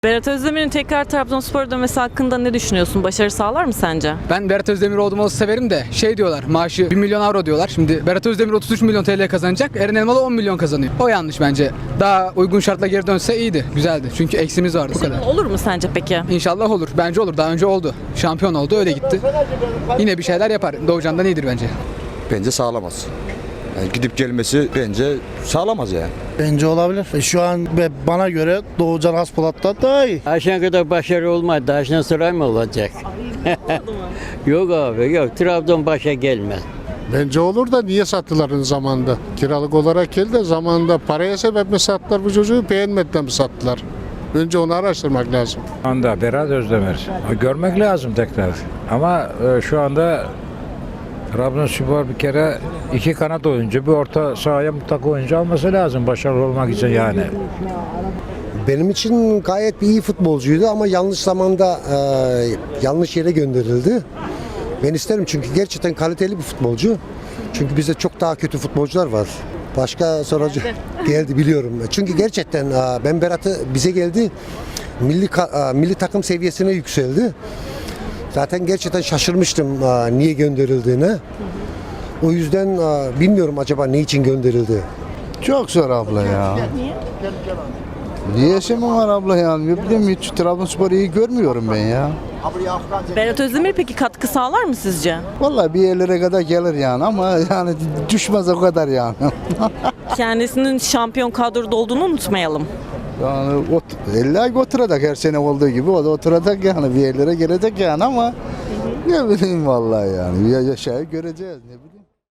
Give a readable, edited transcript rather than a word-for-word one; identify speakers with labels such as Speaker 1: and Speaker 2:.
Speaker 1: Berat Özdemir'in tekrar Trabzonspor'a dönmesi hakkında ne düşünüyorsun? Başarı sağlar mı sence?
Speaker 2: Ben Berat Özdemir olduğumu severim de diyorlar, maaşı 1 milyon avro diyorlar. Şimdi Berat Özdemir 33 milyon TL kazanacak, Eren Elmalı 10 milyon kazanıyor. O yanlış bence. Daha uygun şartla geri dönse iyiydi, güzeldi. Çünkü eksimiz vardı. Bu kadar.
Speaker 1: Olur mu sence peki?
Speaker 2: İnşallah olur. Bence olur. Daha önce oldu. Şampiyon oldu, öyle gitti. Yine bir şeyler yapar. Doğucan'dan iyidir bence.
Speaker 3: Bence sağlamaz. Yani gidip gelmesi bence sağlamaz yani.
Speaker 4: Bence olabilir. Şu an bana göre Doğucan Haspolat'tan daha iyi.
Speaker 5: Aşağı kadar başarı olmadı. Aşağı sıra mı olacak? Yok abi yok. Trabzon başa gelmez.
Speaker 6: Bence olur da niye sattılar zamanında? Kiralık olarak geldi de zamanında paraya sebep mi sattılar bu çocuğu, beğenmeden mi sattılar? Önce onu araştırmak lazım.
Speaker 7: Şu anda Berat Özdemir. Görmek lazım tekrar. Ama şu anda Trabzonspor bir kere iki kanat oyuncu, bir orta sahaya mutlaka oyuncu alması lazım başarılı olmak için yani.
Speaker 8: Benim için gayet bir iyi futbolcuydu ama yanlış zamanda yanlış yere gönderildi. Ben isterim çünkü gerçekten kaliteli bir futbolcu. Çünkü bizde çok daha kötü futbolcular var. Başka sorucu geldi biliyorum. Çünkü gerçekten ben Berat'ı bize geldi milli takım seviyesine yükseldi. Zaten gerçekten şaşırmıştım niye gönderildiğine. O yüzden bilmiyorum acaba ne için gönderildi.
Speaker 4: Çok zor abla ya. Niye mi var abla yani? Ne bileyim hiç Trabzonspor'u iyi görmüyorum ben ya.
Speaker 1: Berat Özdemir peki katkı sağlar mı sizce?
Speaker 4: Vallahi bir yerlere kadar gelir yani ama yani düşmez o kadar yani.
Speaker 1: Kendisinin şampiyon kadroda olduğunu unutmayalım.
Speaker 4: Yani illa oturacak her sene olduğu gibi o da oturacak yani bir yerlere gelecek yani ama ne bileyim vallahi yani yaşayı göreceğiz ne bileyim.